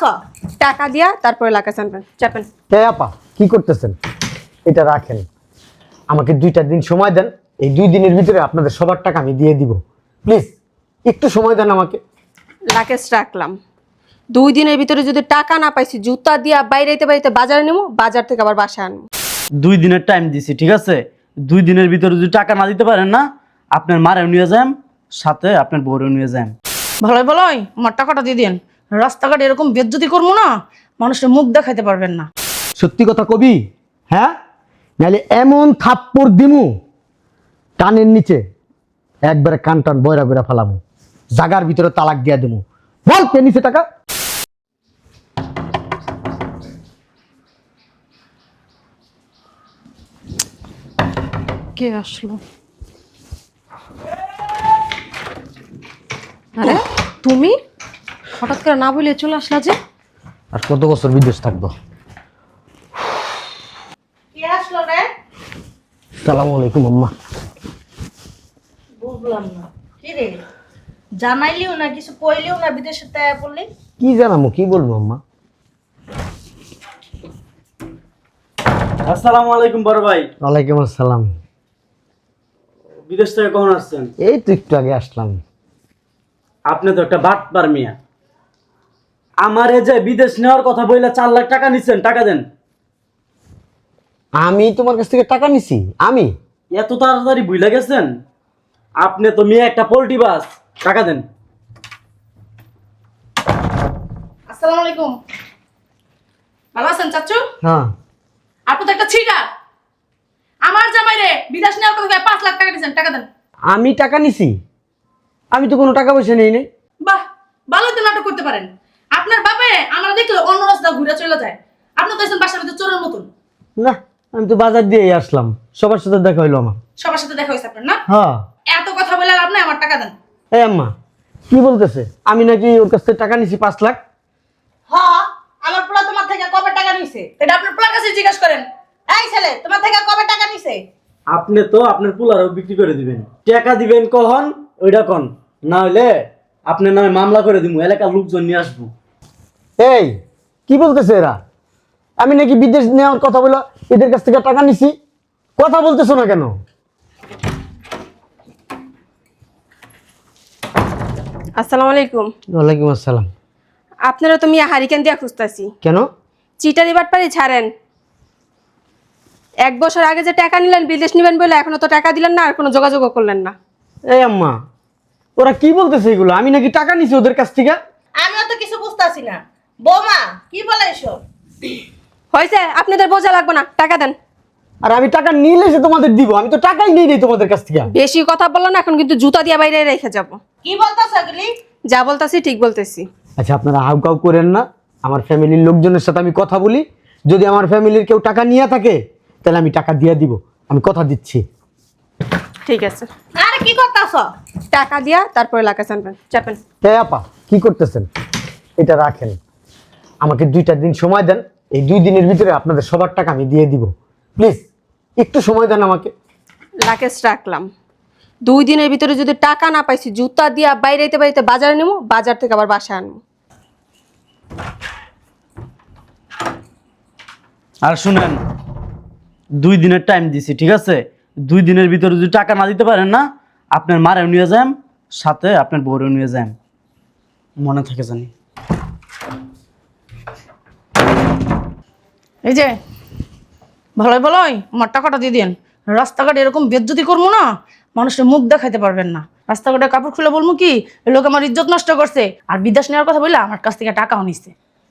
টাকা দিয়া তারপরে লাকা চাপেন চাপেন। হে আপা, কি করতেছেন? এটা রাখেন, আমাকে 2টা দিন সময় দেন। এই 2 দিনের ভিতরে আপনাদের সবার টাকা আমি দিয়ে দিব। প্লিজ একটু সময় দেন আমাকে। লাকেশ রাখলাম, 2 দিনের ভিতরে যদি টাকা না পাইছি জুতা দিয়া বাইরেতে বাইরেতে বাজারে নেবো, বাজার থেকে আবার বাসায় আনবো। 2 দিনের টাইম দিছি, ঠিক আছে? 2 দিনের ভিতরে যদি টাকা না দিতে পারেন না, আপনার মারেও নিয়ে যান, সাথে আপনার বউরেও নিয়ে যান। ভালোই ভালোই আমার টাকাটা দিয়ে দিন। রাস্তাঘাটে এরকম বেজ্জতি করবো না, মানুষের মুখ দেখাইতে পারবেন না। সত্যি কথা কবি, হ্যাঁ? নাহলে এমন থাপ্পড় দিমু কানের নিচে একবারে কান টান বয়রা বয়রা ফালামু, জাগার ভিতরে তালাক দিয়া দেবো। বল কে নিচে টাকা? কে আসলো? আরে তুমি হঠাৎ করে না বলে চলে আসলা যে? আর কত বছর বিদেশ থাকবো? কে আসলো রে? সালাম আলাইকুম আম্মা। বুঝলাম না কি রে, জানাইলিও না, কিছু কইলিও না, বিদেশে তাই বললি। কি জানামো, কি বলবো আম্মা? আসসালামু আলাইকুম বড় ভাই। ওয়ালাইকুম আসসালাম। বিদেশ থেকে কখন আসছেন? এই তো একটু আগে আসলাম। আপনি তো একটা বাটপার মিয়া। আমারে যে বিদেশ নেওয়ার কথা বইলা 4 লাখ টাকা নিচ্ছেন, টাকা দেন। আমি তোমার কাছ থেকে টাকা নিছি? আমি? এত তাড়াতাড়ি ভুলে গেছেন? আপনি তো মেয়ে একটা পোল্ট্রি বাস, টাকা দেন। আসসালামু আলাইকুম। ভালো আছেন চাচু? হ্যাঁ। আপনি তো একটা ছিটা। আমার জামাই রে বিদেশ নেওয়ার কথা 5 লাখ টাকা দিয়েছেন, টাকা দেন। আমি টাকা নিছি? আমি তো কোনো টাকা পয়সা নেই নাই। বাহ, ভালো তো নাটক করতে পারেন। আপনার বাপে আমরা দেখলে অন্য রাস্তা ঘুরে চলে যায়, আপনি তো এসেছেন বাসার ভিতরে চোরের মতন। না, আমি তো বাজার দিয়েই আসলাম, সবার সাথে দেখা হইলো আমার। সবার সাথে দেখা হয়েছে আপনার না? হ্যাঁ। এত কথা বলে লাভ নাই, আমার টাকা দেন। এই আম্মা, কি বলতেছে? আমি নাকি ওর কাছ থেকে টাকা নিছি 5 লাখ? হ্যাঁ, আমার পোলা তোমার থেকে কবে টাকা নিছে? এটা আপনার পোলার কাছে জিজ্ঞাসা করেন। এই ছেলে, তোমার থেকে কবে টাকা নিছে? আপনি তো আপনার পুলারও বিক্রি করে দিবেন। টাকা দিবেন কখন ওইটা কোন, না হইলে আপনার নামে মামলা করে দিব, এলাকার লোকজন নিয়ে আসবো। এই কি বলতেছে এরা? আমি নাকি বিদেশ নেওয়ার কথা বলে এদের কাছ থেকে টাকা নিছি? কথা বলতেছো না কেন? আসসালামু আলাইকুম। ওয়ালাইকুম আসসালাম। আপনারা তো মিয়া হারিকেন দিয়া খুঁজতাছি। কেন? চিটারি বাটপারি ছাড়েন। 1 বছর আগে যে টাকা নিলেন বিদেশ নিবেন বলে এখনো তো টাকা দিলেন না, আর কোনো যোগাযোগও করলেন না। এই আম্মা, ওরা কি বলতেছে এগুলো? আমি নাকি টাকা নিছি ওদের কাছ থেকে? আমিও তো কিছু বুঝতাছি না। বৌমা, কি বলে এসব? হয়েছে, আপনাদের বোঝা লাগবে না, টাকা দেন। আর আমি টাকা নিলে সে তোমাদের দিব? আমি তো টাকাই নেই নেই তোমাদের কাছ থেকে। বেশি কথা বললো না, এখন কিন্তু জুতা দিয়ে বাইরে রেখে যাব। কি বলতাছ এগুলি? যা বলতাছি ঠিক বলতেছি। আচ্ছা, আপনারা হাউকাউ করেন না। আমার ফ্যামিলির লোকজনের সাথে আমি কথা বলি, যদি আমার ফ্যামিলির কেউ টাকা নিয়ে থাকে তাহলে আমি টাকা দিয়ে দিব, আমি কথা দিচ্ছি। ঠিক আছে, আরে কি করতাছ? টাকা দিয়া তারপরে লাকা চাপেন চাপেন। হে আপা, কি করতেছেন? এটা রাখেন, আমাকে 2টা দিন সময় দেন। এই 2 দিনের ভিতরে আপনাদের সবার টাকা আমি দিয়ে দিব। প্লিজ একটু সময় দেন আমাকে। লাকেশ রাখলাম, 2 দিনের ভিতরে যদি টাকা না পাইছি জুতা দিয়া বাইরেতে বাইরেতে বাজারে নেবো, বাজার থেকে আবার বাসায় আনবো। আর শুনেন, 2 দিনের টাইম দিছি, ঠিক আছে? 2 দিনের ভিতরে যদি টাকা না দিতে পারেন না, আপনার মারেও নিয়ে যান, সাথে আপনার বউরেও নিয়ে যান, মনে থাকে জানি। এই যে ভালোই ভালোই আমার টাকাটা দিয়ে দিন। রাস্তাঘাটে এরকম বেজ্জতি করবো না, মানুষের মুখ দেখাইতে পারবেন না। রাস্তাঘাটে কাপড় খুলে বলবো কি এই লোক আমার ইজ্জত নষ্ট করছে, আর বিদেশ নেওয়ার কথা বললে আমার কাছ থেকে টাকাও নিচ্ছে।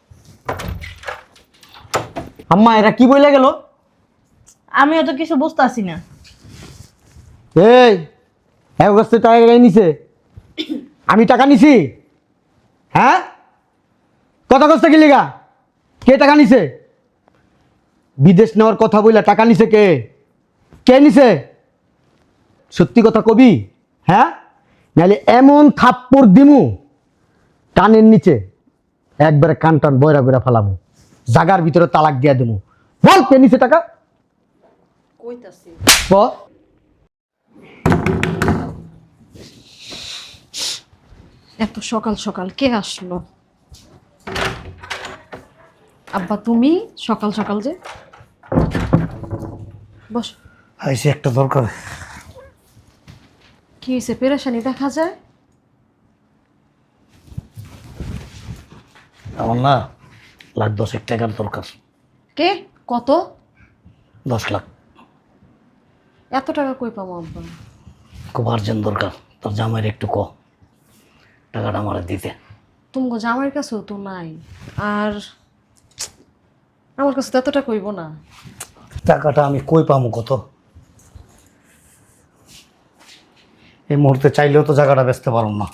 আম্মা, এরা কি বইলা গেল? আমিও তো কিছু বুঝতাছি না। এই এক বছর টাকা গাই নিছে? আমি টাকা নিছি? হ্যাঁ, কথা কষ্ট কি লিগা? কে টাকা নিছে? বিদেশ নেওয়ার কথা বইলা টাকা নিছে কে? কে নিছে? সত্যি কথা কবি, হ্যাঁ? নাহলে এমন থাপ্পড় দিমু কানের নিচে একবারে কান টান বয়রা বয়রা ফালামু, জাগার ভিতরে তালাক দিয়া দেবো। বল কে নিছে টাকা? কইতাছি বল। এত সকাল সকাল কে আসলো? আব্বা তুমি সকাল সকাল যে বস। আইসি একটা দরকার। কি হয়েছে? পেরেশানি দেখা যায়। আমার না 1,10,000 টাকার দরকার। কে? কত? 10 লাখ। এত টাকা কই পাবো আব্বা? খুব আর্জেন্ট দরকার। তোর জামাইয়ের একটু টাকাটা আমার দিতে। তুমি জামাইয়ের কাছেও তো নাই, আর আমার কাছে তো এতটা কইব না। টাকাটা আমি কই পামু কত? এই মুহূর্তে চাইলেও তো জায়গাটা বেচতে পারব না।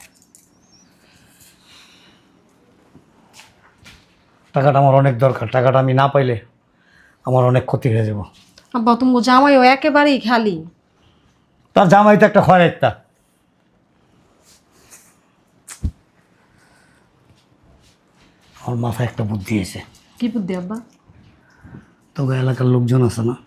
টাকাটা আমার অনেক দরকার। টাকাটা আমি না পাইলে আমার অনেক ক্ষতি হয়ে যাব। আব্বা তুমি জামাইও একেবারেই খালি। তার জামাই তো একটা খয়রাইতা। আমার মাথায় একটা বুদ্ধি এসে। কি বুদ্ধি আব্বা? তবে এলাকার লোকজন আছে না,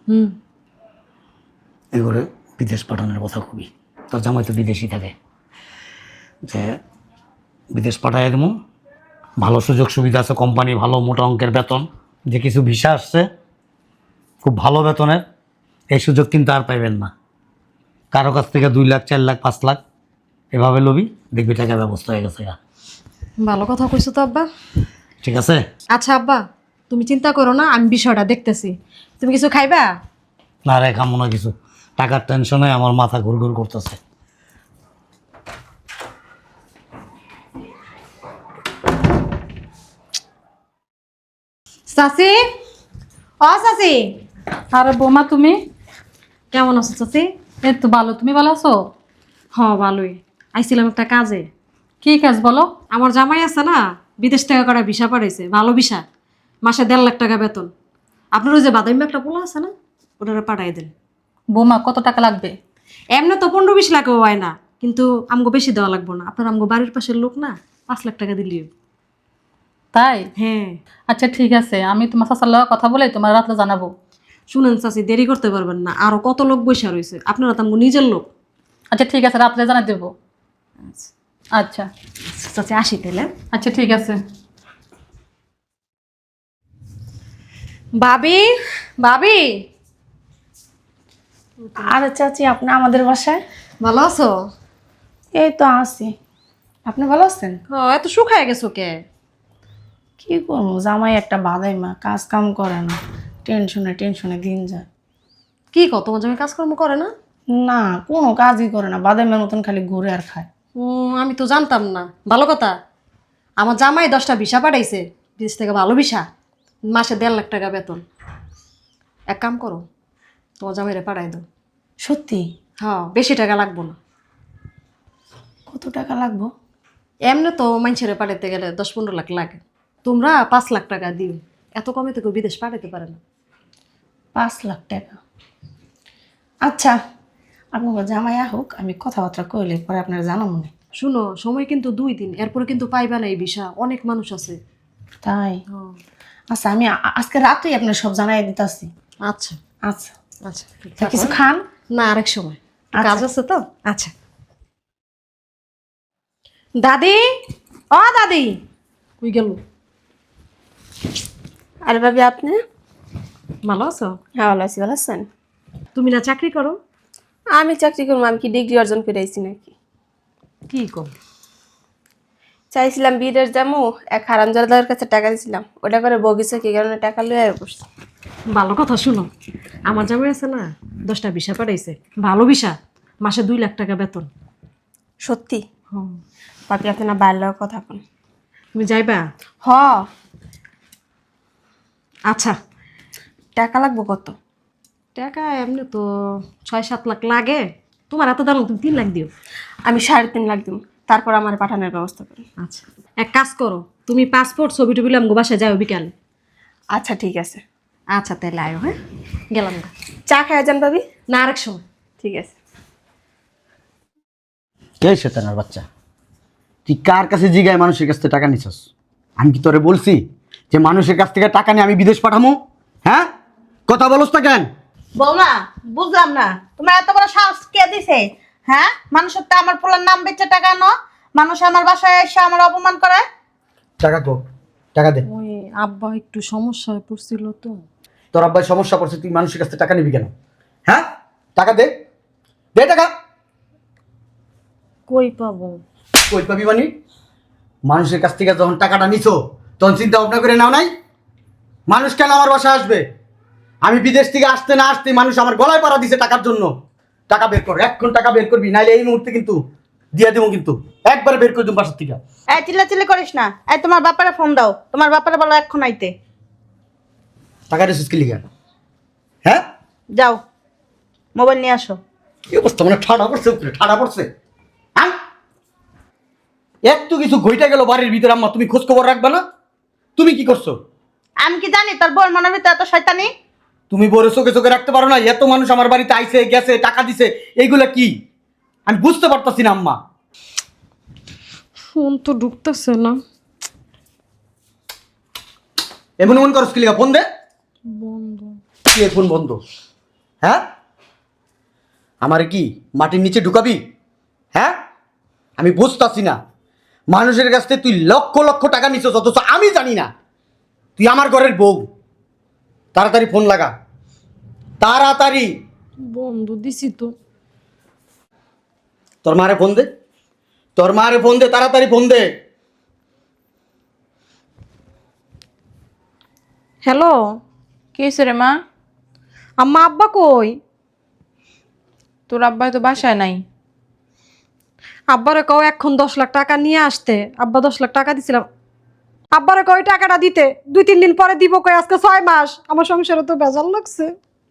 এগুলো বিদেশ পাঠানোর কথা খুবই। তোর জামাই তো বিদেশি থাকে, যে বিদেশ পাঠাই দেবো। ভালো সুযোগ সুবিধা আছে, কোম্পানি ভালো, মোটা অঙ্কের বেতন, যে কিছু ভিসা আসছে খুব ভালো বেতনের। এই সুযোগ কিন্তু আর পাইবেন না। কারো কাছ থেকে 2 লাখ 4 লাখ 5 লাখ এভাবে লবি, দেখবি টাকার ব্যবস্থা হয়ে গেছে। ভালো কথা কইছো তো আব্বা। ঠিক আছে? আচ্ছা আব্বা তুমি চিন্তা করো না, আমি বিষয়টা দেখতেছি। তুমি কিছু খাইবা? না রে, খামো না কিছু। টাকার টেনশনে আমার মাথা ঘুরঘুর করতেছে। চাচি, ও চাচি। আরে বোমা তুমি? কেমন আছো চাচি? এই তো ভালো, তুমি ভালো আছো? হ ভালোই। আইছিলাম একটা কাজে। কি কাজ বলো? আমার জামাই আছে না, বিদেশ থেকে করা ভিসা পাঠাইছে, ভালো ভিসা, মাসে 1.5 লাখ টাকা বেতন। আপনার ওই যে বাদামি একটা পোলা আছে না, ওটা পাঠাই দেন। বোমা কত টাকা লাগবে? এমনি তো 15-20 লাখও হয় না, কিন্তু আমগো বেশি দেওয়া লাগবো না। আপনার আমগো বাড়ির পাশের লোক না, 5 লাখ টাকা দিলিও। তাই? হ্যাঁ। আচ্ছা ঠিক আছে, আমি তোমার শাসার লগে কথা বলে তোমার রাত্রে জানাবো। শুনেন চাচি, দেরি করতে পারবেন না, আরো কত লোক বসে রয়েছে, আপনারা তো আমগো নিজের লোক। আচ্ছা ঠিক আছে, রাত্রে জানাই দেবো। আচ্ছা চাচি আসি তাইলে। আচ্ছা ঠিক আছে। ভাবি, ভাবি, আরে চাচি, আপনি আমাদের বাসায়? ভালো আছো? এই তো আছি। আপনি ভালো আছেন? এত শুকায় গেছো কে? কি করবো, জামাই একটা বাদাই মা, কাজ কাম করে না, টেনশনে টেনশনে দিন যায়। কি কও, তোমার জামাই কাজকর্ম করে না? না, কোনো কাজই করে না, বাদামের মতন খালি ঘুরে আর খায়। আমি তো জানতাম না। ভালো কথা, আমার জামাই 10টা ভিসা পাঠাইছে বিদেশ থেকে, ভালো ভিসা, মাসে 1.5 লাখ টাকা বেতন। এক কাম করো, তোমার জামাইরে পাঠাই দাও। সত্যি? হ্যাঁ, বেশি টাকা লাগবো না। কত টাকা লাগবো? এমনি তো মানুষের পাঠাইতে গেলে 10-15 লাখ লাগে, তোমরা 5 লাখ টাকা দিও। এত কমে তো কেউ বিদেশ পাঠাইতে পারে না। 5 লাখ টাকা? আচ্ছা, আপনার জামাই হোক, আমি কথাবার্তা কইলে পরে আপনার জানা মনে। শুনো, সময় কিন্তু 2 দিন, এরপরে কিন্তু পাইবা না এই ভিসা, অনেক মানুষ আছে। তাই? আচ্ছা, আমি আজকে রাতেই আপনার সব জানাই দিতেছি। আচ্ছা আচ্ছা আচ্ছা, তা কিছু খান? না, আরেক সময়, আচ্ছা। কাজ আছে তো। আচ্ছা দাদি, ও দাদি, কই গেল? আরে ভাবি, আপনি? ভালো আছো? হ্যাঁ ভালো আছি। ভালো আছেন? তুমি না চাকরি করো? আমি চাকরি করবো, আমি কি ডিগ্রি অর্জন করে আইছি নাকি? কি কর? চাইছিলাম বিদেশ যাবো, এক হারামজাদার কাছে টাকা দিয়েছিলাম, ওটা করে বগিচা কি কারণে টাকা লয়ে বসছি। ভালো কথা, শুনো, আমার জামাই আছে না, 10টা ভিসা পাঠাইছে, ভালো ভিসা, মাসে 2 লাখ টাকা বেতন। সত্যি? ভাবি আপনি না বাইরের কথা কোন। তুমি যাইবা? হ। আচ্ছা, টাকা লাগবো কত? টাকা এমনি তো 6-7 লাখ লাগে। তোমার এত দাম, তুমি 3 লাখ দিও। আমি 3.5 লাখ দিব, তারপর আমার পাঠানোর ব্যবস্থা করি। আচ্ছা, এক কাজ করো, তুমি পাসপোর্ট ছবি টবি আমগো বাসায় যাও বিকালে। আচ্ছা ঠিক আছে। আচ্ছা তাহলে আয়ো। হ্যাঁ, গেলাম না। চা খাওয়া যান ভাবি? না, আরেক সময়। ঠিক আছে। কে শয়তানের বাচ্চা? তুই কার কাছে জিগায় মানুষের কাছ থেকে টাকা নিছস? আমি কি তোরে বলছি যে মানুষের কাছ থেকে টাকা নিয়ে আমি বিদেশ পাঠামো? হ্যাঁ, কথা বলস না কেন? বৌমা, বুঝলাম না, তোমার এত বড় সাহস কে দিছে? হ্যাঁ, মানুষের তো আমার পোলার নাম বেচে টাকা ন, মানুষ আমার বাসায় এসে আমার অপমান করে। টাকা কো, টাকা দে। ওই আব্বা একটু সমস্যা হয়ে পড়ছিল তো। তোর আব্বাই সমস্যা পড়ছে, তুই মানুষের কাছ থেকে টাকা নিবি কেন? হ্যাঁ, টাকা দে, দে টাকা। কই পাবো? কই পাবি মানে? মানুষের কাছ থেকে যখন টাকাটা নিছো তখন চিন্তা ভাবনা করে নাও নাই? মানুষ কেন আমার বাসায় আসবে? আমি বিদেশ থেকে আসতে না আসতে মানুষ আমার গলায় পাড়া দিছে টাকার জন্য। টাকা বের কর, এখন টাকা বের করবি, নাইলে এই মুহূর্তে কিন্তু দিয়ে দেবো, কিন্তু একবার বের করে দেবো বাসার থেকে। এই চিল্লাচিল্লি করিস না। এই তোমার বাপারে ফোন দাও, তোমার বাপারে বলো এক্ষণ আইতে। টাকা রেসিস কি লিখা? হ্যাঁ, যাও মোবাইল নিয়ে আসো। কি অবস্থা, মানে ঠাডা পড়ছে, উপরে ঠাডা পড়ছে। হ্যাঁ, এত কিছু ঘইটা গেল বাড়ির ভিতরে, আম্মা তুমি খোঁজ খবর রাখবে না? তুমি কি করছো? আমি কি জানি তোর বোন মনের ভিতরে এত শয়তানি? তুমি বড় চোখে চোখে রাখতে পারো না? এত মানুষ আমার বাড়িতে আইছে গেছে, টাকা দিছে, এইগুলা কি আমি বুঝতে পারতাছি না আম্মা। ফোন তো ঢুকতেছে না। এমন এমন করস কি লিখা? ফোন দে। বন্ধ। কি ফোন বন্ধ? হ্যাঁ, আমারে কি মাটির নিচে ঢুকাবি? হ্যাঁ, আমি বুঝতাছি না। মানুষের কাছ থেকে তুই লক্ষ লক্ষ টাকা নিছিস, অথচ আমি জানি না তুই আমার ঘরের বউ। তাড়াতাড়ি ফোন লাগা, তাড়াতাড়ি। বন্ধ দিছি তো। তোর মারে ফোন দে, তোর মারে ফোন দে, তাড়াতাড়ি ফোন দে। হ্যালো, কি হয়েছে রে মা? আম্মা আব্বা কই? তোর আব্বাই তো বাসায় নাই। আব্বারে কও এখন 10 লাখ টাকা নিয়ে আসতে। আব্বা 10 লাখ টাকা দিছিলাম। আব্বারে কই টাকাটা দিতে, 2-3 দিন পরে দিব কই, আজকে 6 মাস। আমার সংসারে তো বেজাল লাগছে।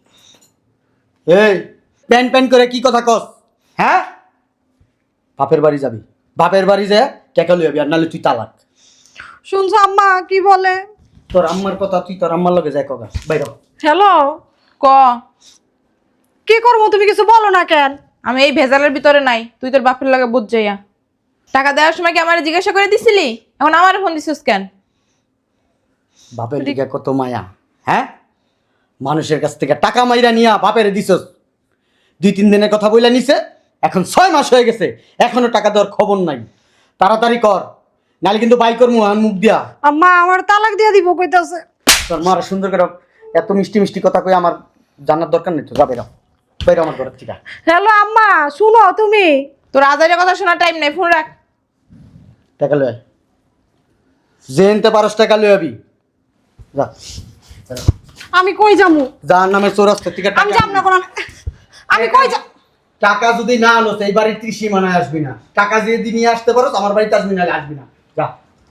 এই প্যান প্যান করে কি কথা কস? হ্যাঁ, বাপের বাড়ি যাবি, বাপের বাড়ি যায় টাকা লই যাবি, আর নাহলে তুই তালাক। শুনছো আম্মা কি বলে? তোর আম্মার কথা তুই তোর আম্মার লগে যায় কগা, বাইর হ। হ্যালো, ক, কি করবো তুমি কিছু বলো না কেন? আমি এই ভেজালের ভিতরে নাই, তুই তোর বাপের লাগে বুঝ যাইয়া। টাকা দেওয়ার সময় কি আমার জিজ্ঞাসা করে দিছিলি? এখন আমার ফোন দিছিস কেন? বাপের দিকে কত মায়া। হ্যাঁ, মানুষের কাছ থেকে টাকা মাইরা নিয়া বাপের দিছস। 2-3 দিনের কথা বইলা নিছে, এখন 6 মাস হয়ে গেছে, এখনো টাকা দেওয়ার খবর নাই। তাড়াতাড়ি কর, নাহলে কিন্তু বাই করমু আর মুখ দিয়া। আম্মা আমার তালাক দিয়ে দিব কইতাছে। তোর মার সুন্দর করে এত মিষ্টি মিষ্টি কথা কই আমার জানার দরকার নেই তো, যাবে না, বাইরে আমার ঘরের থেকে। হ্যালো আম্মা, শুনো তুমি। তোর আজারের কথা শোনার টাইম নেই, ফোন রাখ। টাকা লয়, জেনতে পারস টাকা লই আবি। যা, আমি কই যামু? যার নামে চৌরাস্তার থেকে আমি টাকা যাব না কোন। আমি কই যা? টাকা যদি না আনোস এই বাড়ির ত্রিসীমানায় আসবি না। টাকা যদি নিয়ে আসতে পারো আমার বাড়িতে আসবি, না আসবি না, যা।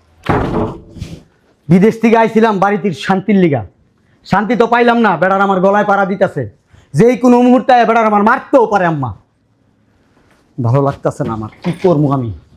বিদেশ থেকে আইছিলাম বাড়িতে শান্তির লিগা, শান্তি তো পাইলাম না। বেড়ার আমার গলায় পাড়া দিতেছে, যেই কোনো মুহূর্তে বেড়ার আমার মারতেও পারে আম্মা। ভালো লাগতেছে না আমার, কি করবো আমি?